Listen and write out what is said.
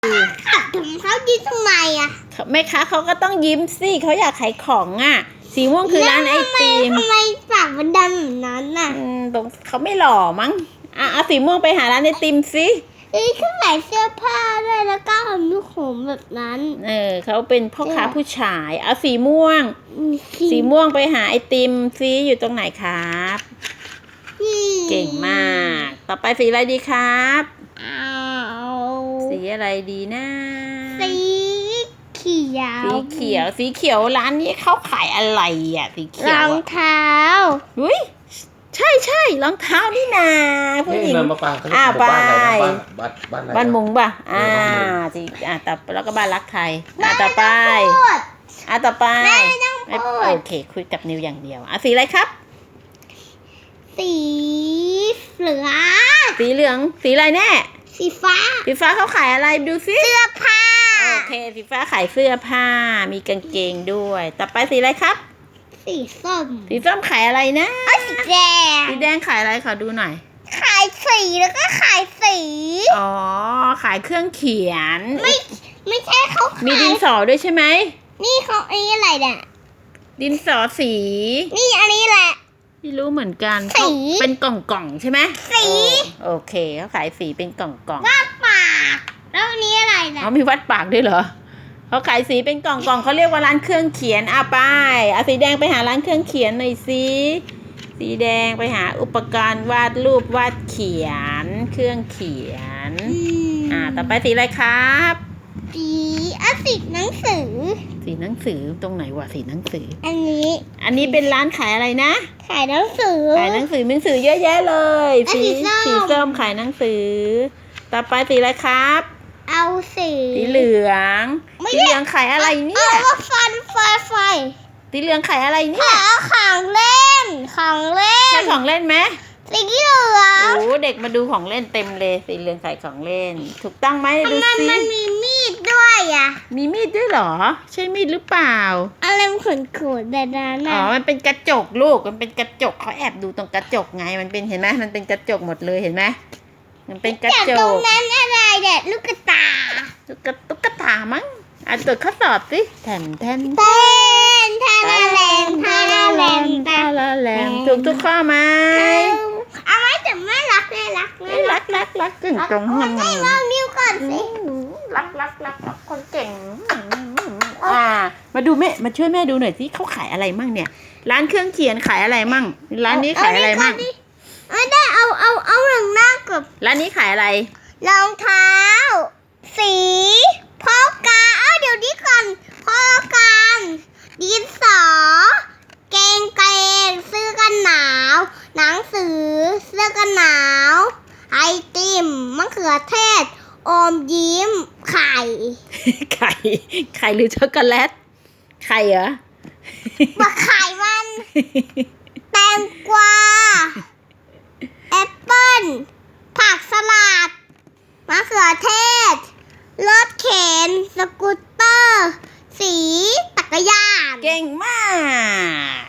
ขับถึงเขายิ้มทำไมอ่ะแม่ค้าเขาก็ต้องยิ้มสิเขาอยากขายของอ่ะสีม่วงคือร้านไอติมทำไมปากมันดำแบบนั้นน่ะตรงเขาไม่หล่อมั้งเอาสีม่วงไปหาร้านไอติมสิเขาใส่เสื้อผ้าด้วยแล้วก็ผมลูกผมแบบนั้นเขาเป็นพ่อค้าผู้ชายเอาสีม่วงไปหาไอติมซิอยู่ตรงไหนครับเก่งมากต่อไปสีอะไรดีครับสีอะไรดีนะสีเขียวร้านนี้เขาขายอะไรอ่ะสีเขียวรองเท้าอุ้ยใช่รองเท้านี่นาผู้หญิงบ้านมุงป่ะสิต่อแล้วก็บ้านรักไทยต่อไปโอเคคุยกับนิวอย่างเดียวสีอะไรครับสีเหลืองสีอะไรแน่สีฟ้าเขาขายอะไรดูสิเสื้อผ้าโอเคสีฟ้าขายเสื้อผ้ามีกางเกงด้วยต่อไปสีอะไรครับสีส้มขายอะไรนะสีแดงขายอะไรขอดูหน่อยขายสีแล้วก็ขายสีขายเครื่องเขียนไม่ใช่เขาขายมีดินสอด้วยใช่ไหมนี่เขาอันนี้อะไรเนี่ยดินสอสีนี่อันนี้แหละไม่รู้เหมือนกันสีเป็นกล่องใช่ไหมสีโอเคเขาขายสีเป็นกล่องวาดปากแล้วอันนี้อะไรเนี่ยมีวัดปากด้วยเหรอเขาขายสีเป็นกล่องเขาเรียกว่าร้านเครื่องเขียนไปสีแดงไปหาร้านเครื่องเขียนหน่อยสิสีแดงไปหาอุปกรณ์วาดรูปวาดเขียนเครื่องเขียนต่อไปสีอะไรครับสีหนังสือตรงไหนวะสีหนังสืออันนี้เป็นร้านขายอะไรนะขายหนังสือเยอะแยะเลยสีส้มขายหนังสือต่อไปสีอะไรครับเอาสีเหลืองขายอะไรเนี่ยไฟสีเหลืองขายอะไรเนี่ยของเล่นใช่ของเล่นไหมสีเหลืองเด็กมาดูของเล่นเต็มเลยสีเหลืองขายของเล่นถูกต้องไหมดูสิมันมีมีดด้วยมีมีดด้วยเหรอใช่มีดหรือเปล่าอะไรมันขนแบบนั้นมันเป็นกระจกลูกมันเป็นกระจกเขาแอบดูตรงกระจกไงมันเป็นเห็นไหมมันเป็นกระจกหมดเลยเห็นไหมมันเป็นกระจกตรงนั้นอะไรเนี่ยตุ๊กตามั้งตรวจข้อสอบสิแทนถูกทุกข้อไหมเอาไว้แต่ไม่รักกึ่งตรงให้ลองนิ้วก่อนสิรักคนเก่งมาดูแม่มาช่วยแม่ดูหน่อยสิเขาขายอะไรมั่งเนี่ยร้านเครื่องเขียนขายอะไรมั่งร้านนี้ขายอะไรมั่งไม่ได้เอาหนังหน้ากับร้านนี้ขายอะไรรองเท้าสีพ่อกาเดี๋ยวนี้ก่อนพ่อการดินสอเกงเสื้อกันหนาวหนังสือเสื้อกันหนาวไอติมมะเขือเทศอมยิ้มไข่หรือช็อกโกแลตไข่เหรอไข่มันแตงกวาแอปเปิ้ลผักสลัดมะเขือเทศรถเข็นสกูตเตอร์สีจักรยานเก่งมาก